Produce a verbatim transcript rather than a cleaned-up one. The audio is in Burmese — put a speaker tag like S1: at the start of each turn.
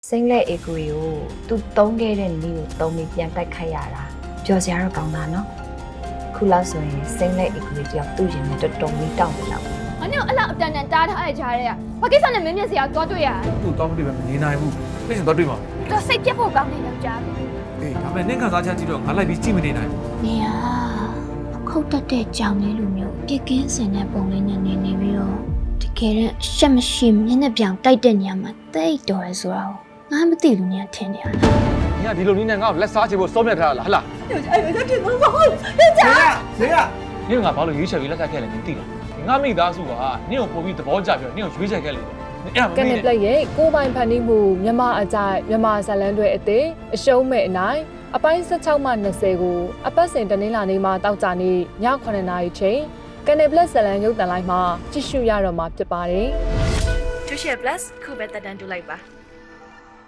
S1: စိမ့်လက်အေကွေကိုသူတုံးခဲ့တဲ့နီးကိုတုံးပြီးပြန်တိုက်ခိုက်ရတာပျော်စရာတော့ကောင်းတာနော်ခုလောက်ဆိုရင်စိမ့်လက်အေကွေတယောက်သူ့ရင်နဲ့တော်တော်လေးတောင်းနေလောက်
S2: ။အနည်းအဲ့လောက်အတန်တန်တားထားတဲ့ကြားထဲကဘာကိစ္စနဲ့မင်းမျက်စိကသွားတွေ့ရတာ
S3: သူ့တောင်းမတွေ့ပဲမနေနိုင်ဘူးပြင်စတော့တွေ့မှာ
S2: ။သူစိတ်ပြတ်ဖို့ကောင်းနေယောက်ျားပဲ
S3: အေးဒါပေမဲ့နင့်ခံစားချက်ကြည့်တော့ငါလိုက်ပြီးကြည့်မနေနိုင်ဘူး
S4: နေရခုတ်တက်တဲ့ကြောင်လေးလိုမျိုးပြက်ကင်းစင်တဲ့ပုံလေးနဲ့နေနေပြီးတော့တကယ်တော့ရှက်မရှိမျက်နှာပြောင်တိုက်တဲ့နေရာမှာတိတ်တော်ရဲဆိုတော့ငါမသိလို့နေရထင်နေရတာ
S3: ။ညဒီလိုနည်းနဲ့ငါ့ကိုလက်စားချေဖို့စောမြတ်ထားတာလားဟလား
S5: 谁呀？
S3: ။ညငါဘာလို့ရွေးချယ်ပြီးလက်ထပ်ခဲ့လဲမသိလား။ငါမိသားစုကနင့်ကိုပို့ပြီးသဘောကျပြီးတော့နင့်ကိုရွေးချယ်ခဲ့လေ။အဲ့ဒါမ
S6: ကန်
S3: မေ့
S6: နစ်ပ
S3: နဲ့
S6: လက်ရဲ့ကိုပိုင်ဖန်တီးမှုမြန်မာအကြိုက်မြန်မာဇလန်တွေအသေးအရှုံးမဲ့အနိုင်အပိုင်း၁၆မှ၂၀ကိုအပတ်စဉ်တနင်္လာနေ့မှာတောက်ကြနေ့ည9နာရီချိန်ကန်နစ်ပလက်ဇလန်ရုပ်သံလိုက်မှာကြည့်ရှုရတော့မှာဖြစ်ပါတယ်
S1: Tuition Plus ခုပဲတက်တန်းတူလိုက်ပါ